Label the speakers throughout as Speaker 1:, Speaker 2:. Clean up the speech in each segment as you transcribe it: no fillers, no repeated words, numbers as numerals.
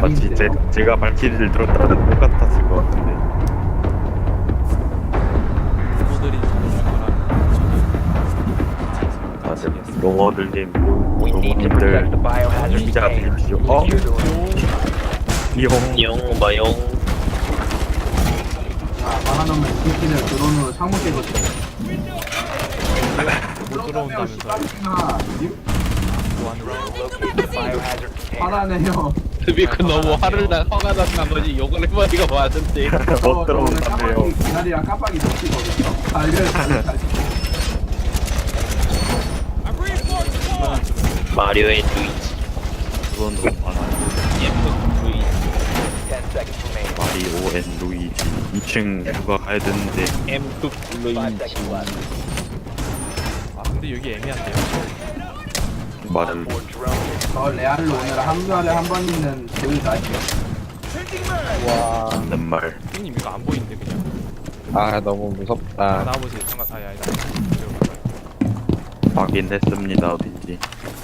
Speaker 1: 마치
Speaker 2: 아닌데요?
Speaker 1: 제가 발키리를 들었다는 똑같았을 것 같은데.
Speaker 3: 부모들이 들어줄 거라면 저는
Speaker 1: 맞아. 로머들님,
Speaker 4: We need to protect the
Speaker 1: 로머님들
Speaker 4: biohazard
Speaker 1: 준비자
Speaker 4: container.
Speaker 1: 되십시오.
Speaker 4: Secure the room.
Speaker 1: 이용
Speaker 5: 용 마용
Speaker 2: 말하면 새끼들 드론으로 창문 깨졌어.
Speaker 3: 못 들어온다면서
Speaker 2: 아,
Speaker 4: Locate the biohazard container.
Speaker 2: 화나네요.
Speaker 5: 드비크 너무 화를 나 화가 난 나머지 욕을 해버리가 많은데
Speaker 1: 못 들어온다며요.
Speaker 2: 기다리랑 깜빡이 놓치거든요. 달려요.
Speaker 5: 마리오의 루이지
Speaker 1: 그건 너무 많아요.
Speaker 5: 예쁜 루이지
Speaker 4: 10 seconds remaining.
Speaker 1: 마리오 앤 루이지 2층 누가 가야 되는데
Speaker 5: M급
Speaker 4: 5
Speaker 5: 루이지
Speaker 4: seconds left.
Speaker 3: 아 근데 여기 애매한데요.
Speaker 1: 말을
Speaker 4: For drone.
Speaker 2: 저 레알을 오늘 한 달에 한 번 있는 그 날이요.
Speaker 1: 하는 말.
Speaker 3: 형님 이거 안 보이는데 그냥.
Speaker 6: 아 너무
Speaker 3: 아,
Speaker 6: 무섭다.
Speaker 3: 나와보세요. 잠깐 아니다.
Speaker 1: 확인했습니다. 어딘지.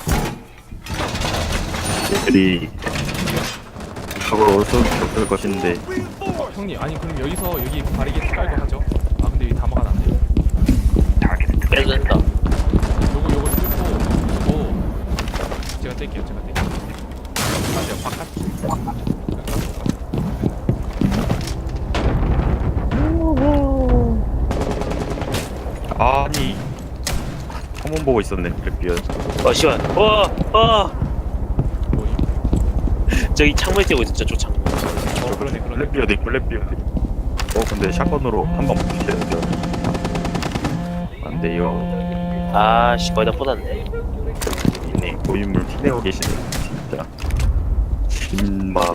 Speaker 1: 애들이 저걸 올 수 없을 것인데
Speaker 3: 형님 아니 그럼 여기서 여기 바리게이트 깔고 하죠. 아 근데 여기 다 막아놨네.
Speaker 5: 뺏는다
Speaker 3: 요거 뚫고 제가 뗄게요. 제가 뗄게요. 맞아요. 바깥.
Speaker 1: 아니 창문 보고 있었네. 그래피어.
Speaker 5: 시원
Speaker 3: 뭐임?
Speaker 5: 저기 창문 띄고 있었죠 저 창문
Speaker 3: 그러네.
Speaker 1: 블랙비어도 있고 블랙비어도 있고. 근데 샷건으로 한 방 붙이려죠. 안 돼요.
Speaker 5: 아씨 거의 다 뻗었네
Speaker 1: 있네. 고인물 티내고 계시네. 진짜 신망.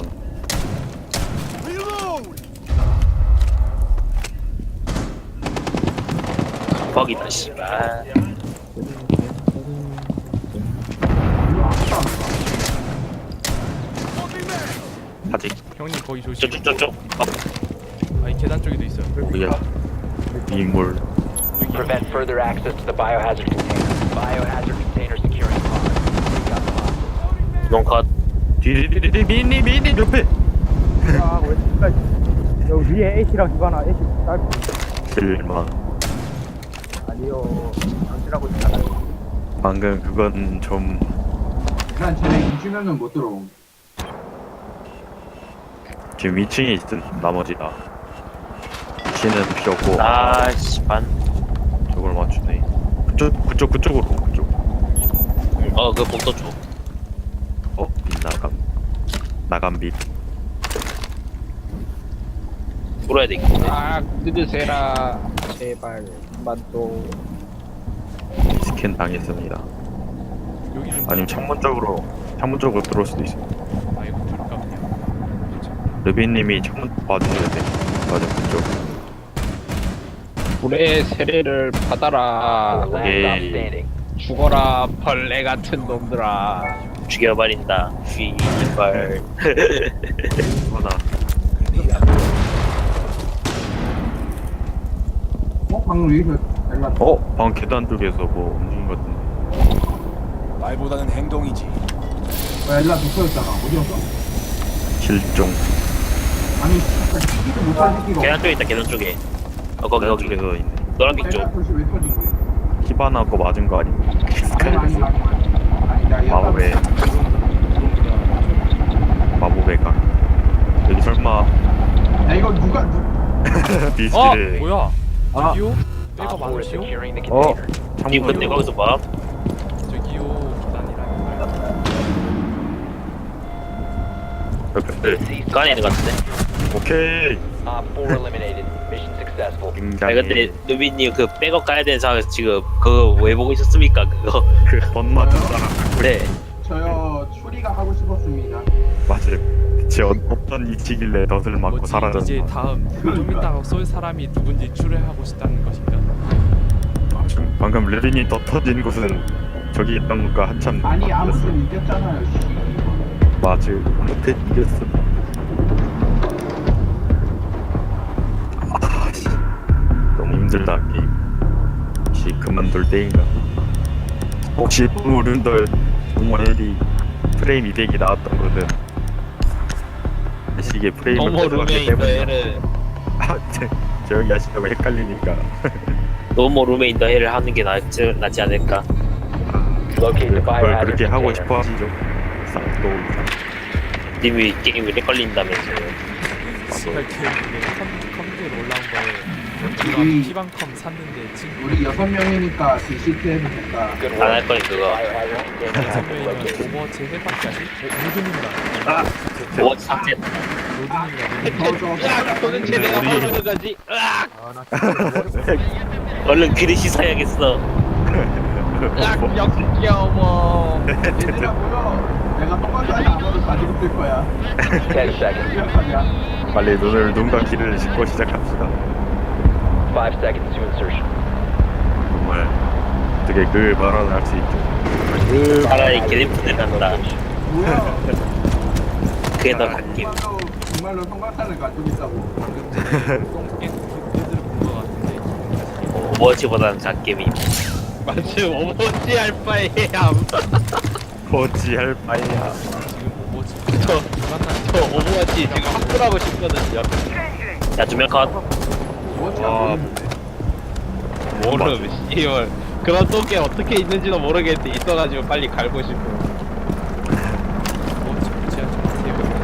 Speaker 5: 뻑이다 씨발
Speaker 1: 아직
Speaker 3: 형님 거기 조심.
Speaker 5: 저쪽저쪽
Speaker 3: 아니 계단 쪽에도 있어요.
Speaker 1: 뭐야? 인물.
Speaker 3: 여기.
Speaker 4: Prevent further access to the biohazard container. Biohazard container securing pod. We got the hostage.
Speaker 5: 농컷
Speaker 1: 디디디디 미니 옆에.
Speaker 7: 여기 위에 A씨랑 기관아 A씨 짧고
Speaker 1: 실망.
Speaker 7: 아니요 당신하고 있잖아요.
Speaker 1: 방금 그건 좀
Speaker 2: 일단 쟤네 2주면은 못 들어옴.
Speaker 1: 지금 2층에 있은 나머지 다. 위치는 필요 없고
Speaker 5: 아씨 반
Speaker 1: 저걸 맞추네. 그쪽으로 그쪽.
Speaker 5: 그 복도 쪽
Speaker 1: 나감 빛.
Speaker 5: 풀어야 되겠네
Speaker 6: 아 뜯으세라 제발 만도
Speaker 1: 스캔 당했습니다.
Speaker 3: 여기 좀.
Speaker 1: 아니면 창문 쪽으로 들어올 수도 있어.
Speaker 3: 아 이거 둘까 그냥. 그렇죠.
Speaker 1: 르비님이 창문 봐주셔야 돼. 맞아 그쪽.
Speaker 6: 불의 세례를 받아라.
Speaker 4: Last
Speaker 1: Okay.
Speaker 4: stop standing.
Speaker 6: 죽어라 벌레 같은 놈들아.
Speaker 5: 죽여버린다 휘발
Speaker 1: 하나.
Speaker 2: 방금 여기서 연락.
Speaker 1: 방 계단 쪽에서 뭐 움직인 것 같은데.
Speaker 8: 말보다는 행동이지.
Speaker 2: 연락 붙어있잖아. 어디였어?
Speaker 1: 실종.
Speaker 2: 아니, 진짜 시기도 못한 새끼가.
Speaker 5: 계단 쪽에 있다 계단 쪽에 거기
Speaker 1: 계단
Speaker 5: 거기
Speaker 1: 쪽에서 있네.
Speaker 5: 노란빛 쪽
Speaker 2: 연락 표시 왜 터진 거야?
Speaker 1: 히바나 거 맞은 거 아니고.
Speaker 2: 아니, 나 연락
Speaker 1: 마법의 마법의 각. 여기 설마
Speaker 2: 야, 이거 누가,
Speaker 1: 비스를
Speaker 3: 뭐야? 저기요?
Speaker 4: Op
Speaker 3: 빼가
Speaker 4: 4 is
Speaker 3: 많으시오?
Speaker 4: securing the
Speaker 1: 어
Speaker 4: container.
Speaker 5: 이거 근데 거기서 봐
Speaker 3: 저기요 계단이라니까요.
Speaker 1: 옆에
Speaker 5: 그 안에 있는 것 같은데
Speaker 1: 오케이.
Speaker 4: Op 4 eliminated. Mission successful.
Speaker 5: 아니 근데
Speaker 1: 굉장히
Speaker 5: 누비님 그 백업 가야 되는 상황에서 지금 그거 왜 보고 있었습니까 그거
Speaker 1: 그덧 맞은 사람.
Speaker 5: 그래
Speaker 2: 저요, 추리가 하고 싶었습니다.
Speaker 1: 맞아요. 대체 어떤 이치길래 덫을 맞고
Speaker 3: 뭐지?
Speaker 1: 사라졌나.
Speaker 3: 이제 다음 좀 이따가 쏠 사람이 누군지 추려하고 싶다는 것인가?
Speaker 1: 방금 르린이 덫 터진 곳은 저기 있던 것과 한참
Speaker 2: 아니,
Speaker 1: 바뀌었어.
Speaker 2: 아무튼 이겼잖아요, 씨.
Speaker 1: 맞아요. 못해 이겼어. 씨. 너무 힘들다 게임. 혹시 그만둘 때인가? 혹시 우른들 정말 프레임 200이 나왔던 거든 이게 프레임을
Speaker 6: 너무
Speaker 1: 뺏어갔기
Speaker 6: 룸메이트
Speaker 1: 때문에
Speaker 6: 애를
Speaker 1: 조용히 하시다고 헷갈리니까
Speaker 5: 노모 룸메인 더 헬을 하는 게 낫지 않을까?
Speaker 4: Locate the
Speaker 1: 그걸
Speaker 4: biohazard
Speaker 1: 그렇게 하고
Speaker 4: container.
Speaker 1: 싶어 하시죠. 또
Speaker 5: 님이 게임을 헷갈린다면서요.
Speaker 3: 씨발 걔 컴퓨터로 올라온 거에
Speaker 2: 우리-
Speaker 3: 피방컴 샀는데 친구
Speaker 2: 우리 6명이니까 DCT 해도 될까?
Speaker 4: Good
Speaker 5: 안 할
Speaker 4: work.
Speaker 5: 거니 그거.
Speaker 4: Biohazard container has been
Speaker 3: 선배님은
Speaker 4: located.
Speaker 3: 오버워치 해봤지 아직? 로드님이랑
Speaker 5: 오버워치 삭제.
Speaker 3: 로드님이랑
Speaker 6: 야 도대체 내가 뭘 하는 거지? 으악!
Speaker 5: 얼른 그릇 씻어야겠어.
Speaker 6: 으악 역겨워.
Speaker 2: 얘들아 보여. 내가 통과까지 아무도 가지고 쓸 거야.
Speaker 4: 10 seconds.
Speaker 2: 시작하자.
Speaker 1: 빨리 눈과 귀를 씻고 시작합시다.
Speaker 4: 5 seconds to insertion.
Speaker 1: 정말 어떻게 그 발언을 할 수 있죠.
Speaker 5: 차라리 개네프들 간다.
Speaker 2: 뭐야?
Speaker 5: 그게 더 갓김.
Speaker 2: 정말로 통과카를 가지고 있다고.
Speaker 3: 방금 전에 똥깬 그들을 본거 같은데
Speaker 5: 오버워치보다는 갓김이.
Speaker 6: 마치 오버워치 할 바에야.
Speaker 1: 어찌할 바에야.
Speaker 3: 지금 오버워치
Speaker 6: 저
Speaker 3: 만나는
Speaker 6: 오버워치 지금 확보하고 싶거든요.
Speaker 5: 야, 두명 컷.
Speaker 2: 뭐가
Speaker 1: 와,
Speaker 2: 모르는데.
Speaker 6: 모름 씨발. 그런 똥개 어떻게 있는지도 모르겠는데 있어가지고 빨리 갈고 싶어.
Speaker 3: 오버워치 무지한 좀 세우고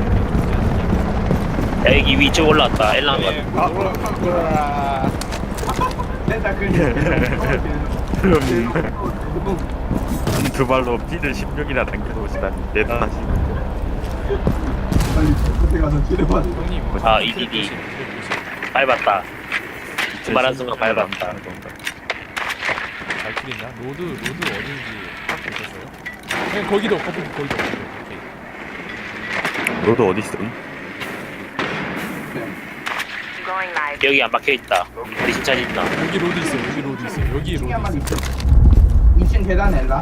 Speaker 5: 야, 여기 위쪽 올라왔다. 엘랑 것.
Speaker 6: 으아.
Speaker 2: 됐다 그.
Speaker 1: 그럼 두 발로 피를 16이나 당겨놓으시다니 대단하시고.
Speaker 2: 빨리 끝에 가서 치료받아.
Speaker 3: 형님
Speaker 5: 아, EDD. 밟았다. 말한 순간 밟았다.
Speaker 3: 발길이나 로드 어딘지 딱 보셨어요? 그냥 거기도 거기도 오케이.
Speaker 1: 너도 어디 있어?
Speaker 5: 여기 안 박혀 있다. 우리 진짜 있나?
Speaker 3: 여기 로드 있어 여기 로드 있어 여기 로드
Speaker 2: 한
Speaker 3: 있어.
Speaker 2: 2층 계단 엘라.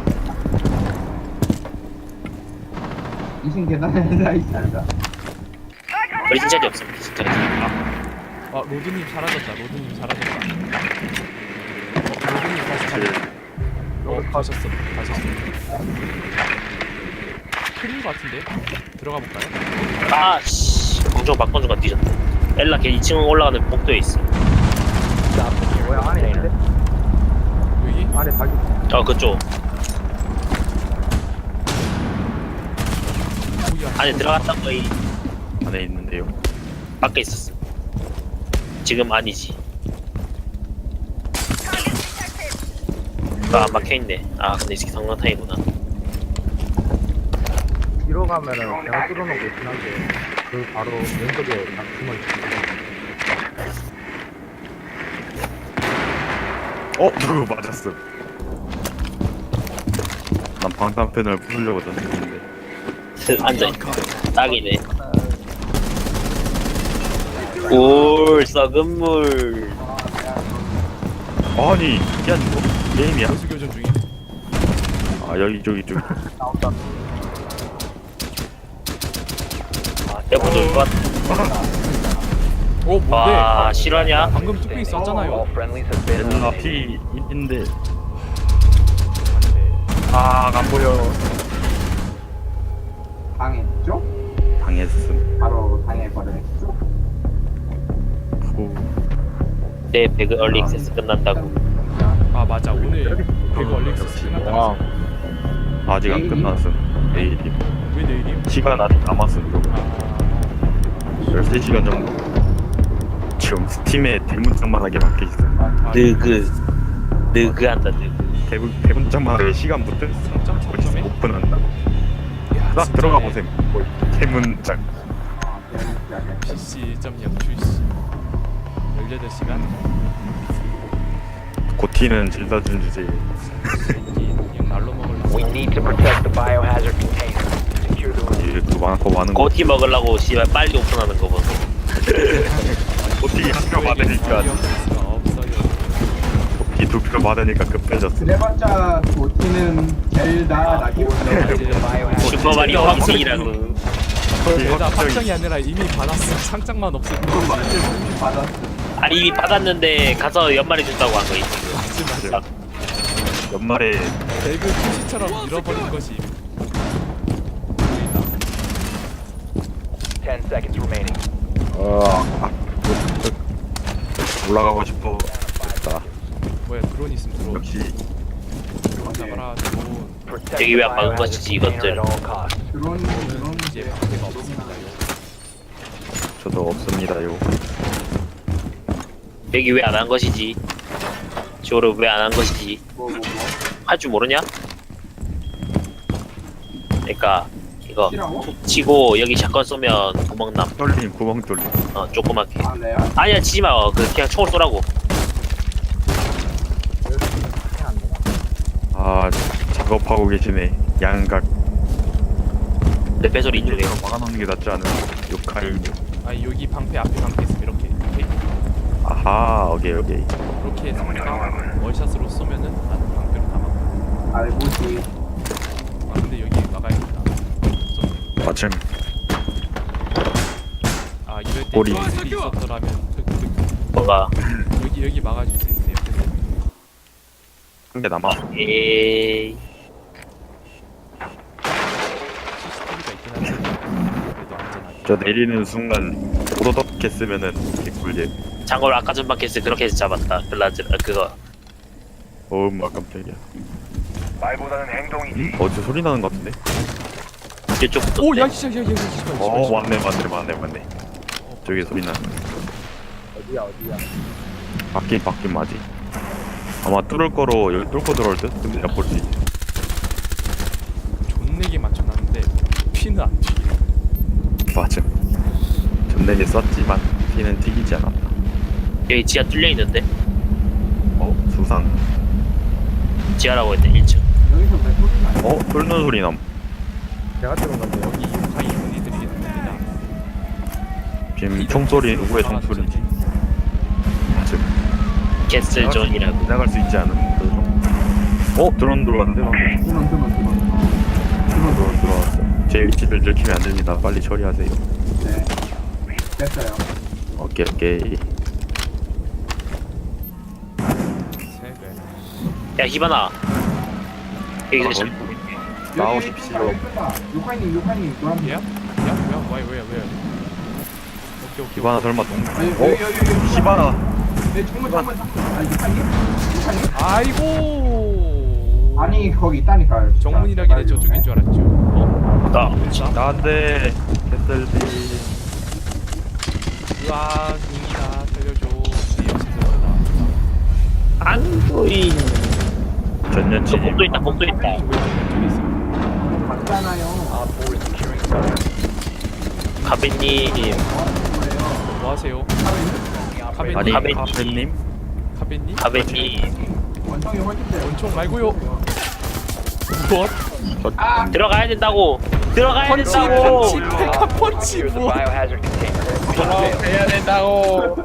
Speaker 2: 2층 계단 엘라 있다.
Speaker 5: 우리 진짜 없어. 진짜.
Speaker 3: 아 로드님 사라졌다 로드님 사라졌다. 로드님 다시 찾. 가셨어. 틀린 거 같은데? 들어가 볼까요?
Speaker 5: 아, 씨. 공정 박건주가 뒤졌다. 엘라 걔 2층 올라가는 복도에 있어.
Speaker 7: 뭐야 안에 있는데?
Speaker 3: 여기?
Speaker 7: 안에 닭이
Speaker 5: 그쪽.
Speaker 3: 뭐야?
Speaker 5: 안에 들어갔다 거의
Speaker 1: 안에 있는데요.
Speaker 5: 밖에 있었어. 지금 아니지. 안 박혀있네. 아, 근데 이 새끼 성광탄이구나.
Speaker 7: 뒤로 가면은 내가 뚫어놓은 거 있긴 한데 그 바로 왼쪽에 딱 숨어있어.
Speaker 1: 누구 맞았어? 난 방탄팬을 부수려고 던졌는데.
Speaker 5: 앉아있다. 딱이네. 올, 썩은 물.
Speaker 1: 아니, 야 이거 게임이야?
Speaker 3: 교수 교전 중임.
Speaker 1: 아 여기 저기
Speaker 5: 대본 좀 좋았다.
Speaker 3: 오 뭔데?
Speaker 5: 와, 실화냐?
Speaker 3: 방금 뚝배기
Speaker 4: All
Speaker 3: 썼잖아요.
Speaker 4: friendlies have been
Speaker 1: 엘라
Speaker 4: eliminated.
Speaker 1: 피 인데
Speaker 3: 맞네.
Speaker 1: 안 보여.
Speaker 2: 당했죠?
Speaker 1: 당했음.
Speaker 2: 바로 당해버렸죠?
Speaker 1: 후.
Speaker 5: 내 배그 얼리 액세스 끝난다고.
Speaker 3: 아 맞아 오늘 배그 얼릭스
Speaker 6: 와.
Speaker 3: 끝났다.
Speaker 1: 아직 안 끝났음. 내일이.
Speaker 3: 왜 내일임?
Speaker 1: 시간 아직 남았음. 좀.
Speaker 3: 아
Speaker 1: 13시간 정도. 지금 스팀에 대문짝만하게 박혀있어.
Speaker 5: 느그한다, 느그.
Speaker 1: 대문짝만하게 시간 붙어있어.
Speaker 3: 3.3점에?
Speaker 1: 오픈한다.
Speaker 3: 야,
Speaker 1: 딱 들어가 보셈. 대문짝.
Speaker 3: PC 1.0 출시 18시간?
Speaker 1: 고티는 질다준 주제.
Speaker 3: 그냥 날로 먹으려고
Speaker 4: We need to protect the biohazard container. Secure the room.
Speaker 1: 이게 또 많고
Speaker 5: 고티 먹으려고 씨발 빨리 오픈하는 거 보소.
Speaker 1: 고티 학교 받으니까
Speaker 3: 없어요.
Speaker 1: 고티 2표 받으니까 급해졌어.
Speaker 2: 그래봤자 도티는 젤다 나기보다
Speaker 4: The biohazard
Speaker 5: 슈퍼마리오 황승이라고.
Speaker 3: 내가 확정이 아니라 이미 받았어. 상장만 없을 뿐이지.
Speaker 2: 받았어.
Speaker 5: 아니 이미 받았는데 가서 연말에 준다고 한 거지 지금.
Speaker 3: 맞지.
Speaker 1: 연말에
Speaker 3: 배그 출시처럼 잃어버린 것이 보인다.
Speaker 4: 10 seconds remaining.
Speaker 1: 올라가고 싶어. 됐다.
Speaker 3: 뭐야 드론 있으면 드론.
Speaker 1: 역시
Speaker 3: 잡아라 드론.
Speaker 4: Protect
Speaker 5: 여기
Speaker 4: the
Speaker 5: 왜안 막은
Speaker 4: biohazard
Speaker 5: 것이지,
Speaker 4: container
Speaker 5: 이것들.
Speaker 4: at all costs.
Speaker 2: 드론
Speaker 3: 이제 방패가 없습니다요.
Speaker 1: 저도 없습니다요.
Speaker 5: 여기 왜 안 한 것이지? 쇼를 왜 안 한 것이지?
Speaker 2: 뭐
Speaker 5: 할 줄 모르냐? 그러니까 이거
Speaker 2: 치라고?
Speaker 5: 툭 치고 여기 샷건 쏘면 구멍남.
Speaker 1: 뚫림 구멍 뚫림.
Speaker 5: 조그맣게.
Speaker 2: 아 레알?
Speaker 5: 아니야 치지 마. 그냥 총을 쏘라고.
Speaker 1: 아 작업하고 계시네. 양각.
Speaker 5: 내 배소리 인중에.
Speaker 1: 이쪽으로 막아놓는 게 낫지 않은? 욕할.
Speaker 3: 아니 여기 방패 앞에 방패 있으면 이렇게
Speaker 1: 아하 오케이.
Speaker 3: 이렇게 상대가 월샷으로 쏘면은 나는 방패로 다 막아.
Speaker 2: 알고지.
Speaker 3: 아 근데 여기 막아야겠다.
Speaker 1: 마침
Speaker 3: 아 이럴 때
Speaker 1: 꼬리.
Speaker 3: 이 있었더라면 흑흑
Speaker 5: 뭐가
Speaker 3: 여기 막아줄 수 있어요.
Speaker 1: 한 개 남아.
Speaker 5: 에이
Speaker 3: CCTV가 있긴 한데 그래도 안전하게.
Speaker 1: 저 내리는 순간 오도덕 했으면은 개꿀잼.
Speaker 5: 장걸 아까 전방 캐스 그렇게 해서 잡았다. 그거
Speaker 1: 어마 깜짝이야. 말보다는 행동이. 어디서 소리 나는 것 같은데?
Speaker 5: 이쪽부터.
Speaker 3: 오야 진짜 야
Speaker 1: 맞네. 저기 소리 나.
Speaker 7: 어디야?
Speaker 1: 바뀐 맞지. 아마 뚫을 거로 여기 뚫고 들어올 듯? 근데 내가 볼 수 있지.
Speaker 3: 존내게 맞춰놨는데 피는 안 튀겨.
Speaker 1: 맞음. 전내게 썼지만 피는 튀기지 않았다.
Speaker 5: 여기 지하 뚫려 있는데
Speaker 1: 수상.
Speaker 5: 지하라고 했네 1층.
Speaker 2: 여기서 왜 소리 나요?
Speaker 1: 뚫는 소리 남.
Speaker 7: 제가 들은 건데
Speaker 3: 여기 가이 분이들이겠습니다.
Speaker 1: 지금 총소리 누구의 총소리인지. 맞음.
Speaker 5: 캐슬 존이라고.
Speaker 1: 지나갈 수 있지 않은 그 드론 들어왔는데 방금. 드론 들어왔어. 제 위치를 들키면 안 됩니다. 빨리 처리하세요.
Speaker 2: 네. 됐어요.
Speaker 1: 오케이.
Speaker 3: 세배.
Speaker 5: 야 히바나. 여기서 샷.
Speaker 1: 나오십시오.
Speaker 2: 요카이님 노란색.
Speaker 3: 야? 왜? 오케이.
Speaker 1: 히바나 설마 동?
Speaker 2: 여기.
Speaker 1: 히바나.
Speaker 2: 네, 정문. 아니, 요카이님?
Speaker 3: 아이고.
Speaker 2: 아니, 거기 있다니까요. 진짜.
Speaker 3: 정문이라길래 저쪽인 줄 알았죠.
Speaker 1: 나한테 개떨지.
Speaker 3: 으아, 닝이다 살려줘. 네 역시 들어간다.
Speaker 5: 안 보인.
Speaker 1: 전년
Speaker 5: 저
Speaker 1: 진입.
Speaker 5: 복도 있다.
Speaker 3: 왜 저기 있어?
Speaker 2: 맞잖아요.
Speaker 4: Op 4 is securing the
Speaker 5: 가베님.
Speaker 3: 뭐 하세요? 카베님?
Speaker 1: 아니
Speaker 5: 가베-
Speaker 1: 카페님?
Speaker 3: 카베님?
Speaker 5: 가베님.
Speaker 2: 원통이 훨씬 세요.
Speaker 3: 원총 말고요. 무엇?
Speaker 5: 들어가야 된다고. 들어가야
Speaker 3: 펀치
Speaker 5: 된다고.
Speaker 3: 페카 펀치
Speaker 4: Secure the
Speaker 3: 뭐?
Speaker 4: biohazard container.
Speaker 6: 해야 된다고.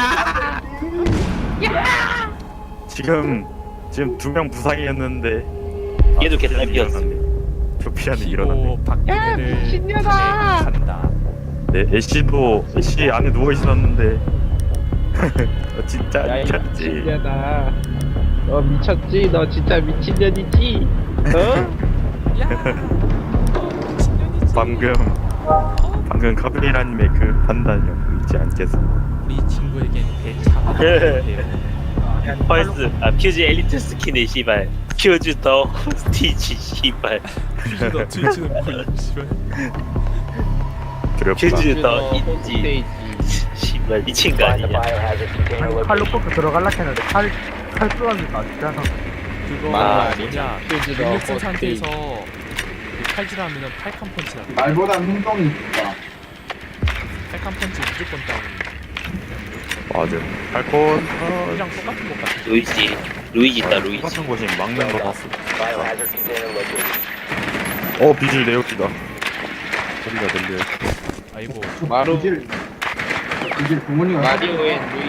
Speaker 1: 지금 2명 부상이었는데.
Speaker 5: 얘도 계단 피었어.
Speaker 1: 조피아는 일어났네.
Speaker 3: 피고 박근혜를 간다.
Speaker 1: 네, 애쉬 안에 누워 있었는데. 진짜
Speaker 6: 야이
Speaker 1: 미쳤지.
Speaker 6: 미친년아. 너 미쳤지? 너 진짜 미친년이지?
Speaker 1: 방금 카브리라님의 그 판단력 잊지 않겠어.
Speaker 3: 우리 친구에겐 대차가 필요해요.
Speaker 5: 펄스. 퓨즈 엘리트 스킨의 씨발. 퓨즈 더 스티치 씨발.
Speaker 3: 너 트위치는 뭐야? 씨발.
Speaker 1: 두렵다.
Speaker 5: 퓨즈 더 인지.
Speaker 6: 홈페이지.
Speaker 5: 씨발 미친 거
Speaker 4: Find the
Speaker 5: 아니냐?
Speaker 4: biohazard container
Speaker 7: 칼로
Speaker 4: location.
Speaker 7: 뽑고 들어갈라 했는데 칼 쏘았는데 맞잖아.
Speaker 3: 그거
Speaker 6: 말이
Speaker 3: 뭐냐?
Speaker 6: 퓨즈 더
Speaker 3: 근육 쓴
Speaker 6: 홈페이지.
Speaker 3: 상태에서 칼질하면은 팔칸 펀치 나.
Speaker 2: 말보다 행동이 있다.
Speaker 3: 팔칸 펀치 무조건 다운.
Speaker 1: 맞아. 팔콘.
Speaker 3: 이랑 똑같은 것 같아.
Speaker 5: 루이지 있다 루이지.
Speaker 1: 똑같은 곳이 막는 거 봤어.
Speaker 4: Biohazard container located.
Speaker 1: 비질 내역기다. 소리가 들려.
Speaker 3: 아이고.
Speaker 6: 마루
Speaker 2: 이제 부모님가
Speaker 6: 마리오의 루이.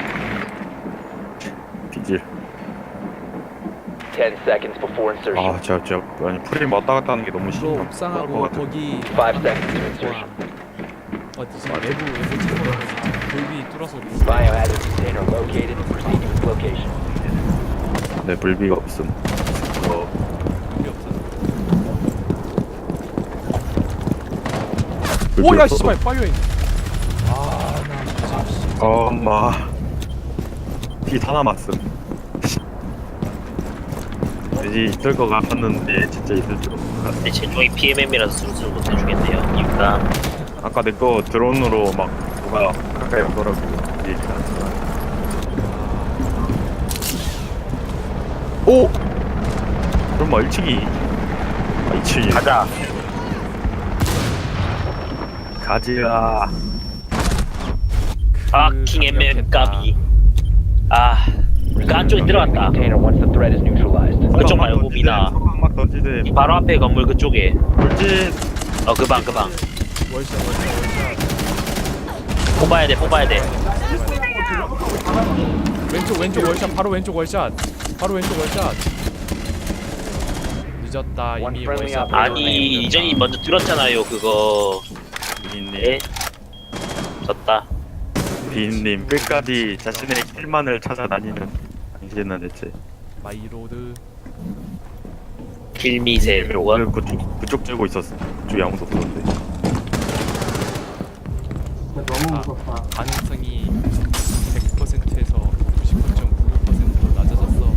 Speaker 1: 비질.
Speaker 4: 10 seconds before insertion.
Speaker 1: 아니 프레임 왔다 갔다 하는 게 너무
Speaker 3: 저
Speaker 1: 심한
Speaker 3: 옥상하고
Speaker 1: 것 같아.
Speaker 3: 거기
Speaker 4: 5 seconds to insertion.
Speaker 3: 어디지? 외부 창문 돌비 뚫어서 우리
Speaker 4: Biohazard container located. Proceed to its location.
Speaker 1: 네, 불비가 없음.
Speaker 3: 돌비 없어.
Speaker 1: 불비
Speaker 3: 오야
Speaker 1: 없어서
Speaker 3: 씨발 파이어인. 아나 진짜
Speaker 1: 엄마. 티 다 남았음. 이제 있을 것 같았는데 진짜 있을 줄 몰랐어.
Speaker 5: 근데 제종이 PMM이라서 스루스루 못해주겠네요. 이유가
Speaker 1: 아까 내 거 드론으로 막 누가 가까이 오더라고. 얘기가. 오! 그럼 뭐 1층이 2층이
Speaker 5: 가자.
Speaker 1: 가지야.
Speaker 5: 킹 MM 까비. 그 안쪽에 들어갔다.
Speaker 4: Container once the threat is neutralized.
Speaker 5: 그쪽 말고 미나.
Speaker 1: 막 던지대.
Speaker 5: 이 바로 앞에 건물 그쪽에.
Speaker 1: 돌진.
Speaker 5: 그 방.
Speaker 3: 월샷
Speaker 5: 뽑아야 돼.
Speaker 3: 왼쪽 월샷 바로 왼쪽 월샷 늦었다
Speaker 4: One
Speaker 3: 이미
Speaker 4: friendly
Speaker 3: 월샷.
Speaker 4: operator
Speaker 5: 아니
Speaker 4: remaining.
Speaker 5: 이전이 먼저 들었잖아요 그거.
Speaker 1: 비인님.
Speaker 5: 예? 졌다.
Speaker 1: 비인님 끝까지 자신의 킬만을 찾아다니는 당신은 대체.
Speaker 3: 마이로드
Speaker 5: 길미세
Speaker 1: 오늘
Speaker 5: 원.
Speaker 1: 그쪽 들고 있었어. 그쪽에 아무도 없었는데.
Speaker 2: 진짜 너무 무섭다.
Speaker 3: 가능성이 100%에서 99.99%로 낮아졌어.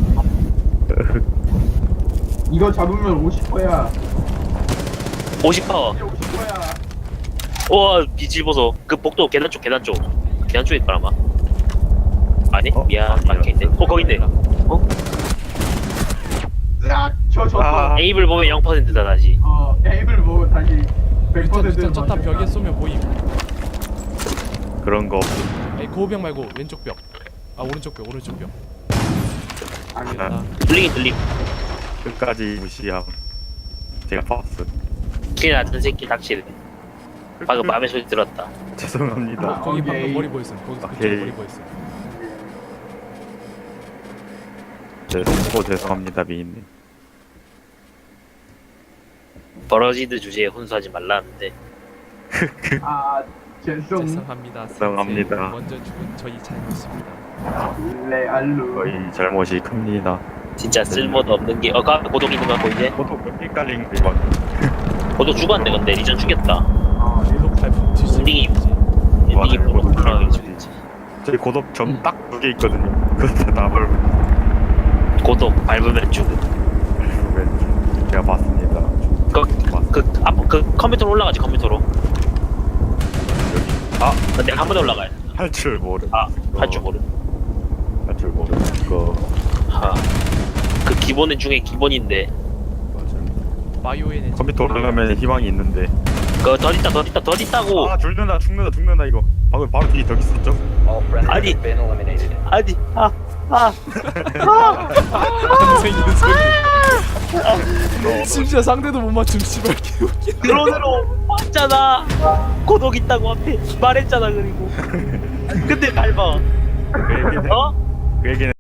Speaker 2: 이거 잡으면 50%야.
Speaker 5: 50%.
Speaker 2: 50%야.
Speaker 5: 우와 비질 보소. 그 복도 계단 쪽일 거라 아마. 아니 미안
Speaker 1: 아니야.
Speaker 5: 막혀 있네. 거기 있네.
Speaker 2: 으악! 저 졌어.
Speaker 1: 아.
Speaker 5: 에이블 보면 0%다 다시.
Speaker 2: 에이블 보고 다시 100%를
Speaker 3: 진짜 쳤다 벽에 쏘면 보임.
Speaker 1: 그런 거 없어.
Speaker 3: 아니 고호병 말고 왼쪽 벽. 오른쪽 벽.
Speaker 2: 아니다.
Speaker 5: 들림.
Speaker 1: 끝까지 무시함. 제가 봤어.
Speaker 5: 킬 낮은 새끼 닥치네. 방금 맘의 소리 들었다.
Speaker 1: 죄송합니다.
Speaker 3: 거기
Speaker 2: 오케이.
Speaker 3: 방금 머리 보였음. 거기서 그쪽
Speaker 1: 오케이.
Speaker 3: 머리 보였음.
Speaker 1: 죄송합니다 미인님.
Speaker 5: 버러지드 주제에 혼수하지 말라는데.
Speaker 3: 죄송합니다.
Speaker 1: 죄송합니다.
Speaker 3: 선생. 먼저 죽은 저희 잘못입니다.
Speaker 2: 레알루.
Speaker 1: 저희 잘못이 큽니다.
Speaker 5: 진짜 쓸모도 없는 게. 그 앞에 고독 있는 거 보이지?
Speaker 1: 보통 몇개 깔린 게 막.
Speaker 5: 고독 죽었네 근데 리전 죽였다.
Speaker 3: 이거 발품
Speaker 5: 엔딩이
Speaker 1: 맞아요.
Speaker 5: 엔딩이
Speaker 1: 고독
Speaker 5: 프로그램이
Speaker 1: 죽였지.
Speaker 5: 죽였지.
Speaker 1: 저희 고독 점 딱 2개 있거든요. 그것도 다
Speaker 5: 고독 밟으면 죽음.
Speaker 1: 밟으면 제가 봤습니다.
Speaker 5: 그 컴퓨터로 올라가지 컴퓨터로. 근데 한 번에 올라가야 돼.
Speaker 1: 할 줄 모르.
Speaker 5: 할 줄 모르.
Speaker 1: 할줄 모르는 거.
Speaker 5: 그 기본은 중에 기본인데.
Speaker 3: 바이오엔의
Speaker 1: 컴퓨터 올라가면 희망이 있는데.
Speaker 5: 그거 더 있다고.
Speaker 1: 아 죽는다 이거. 방금 바로 뒤에 더 있었죠?
Speaker 4: All friendlies
Speaker 5: 아니.
Speaker 4: have been eliminated.
Speaker 5: 아니
Speaker 3: 항상 이런 소리. 심지어 상대도 못 맞춤 씨발 개웃기.
Speaker 5: 드론으로 봤잖아. 고독 있다고 앞에 말했잖아 그리고. 근데 밟아.
Speaker 1: 그 얘기는
Speaker 5: 어?
Speaker 1: 그 얘기는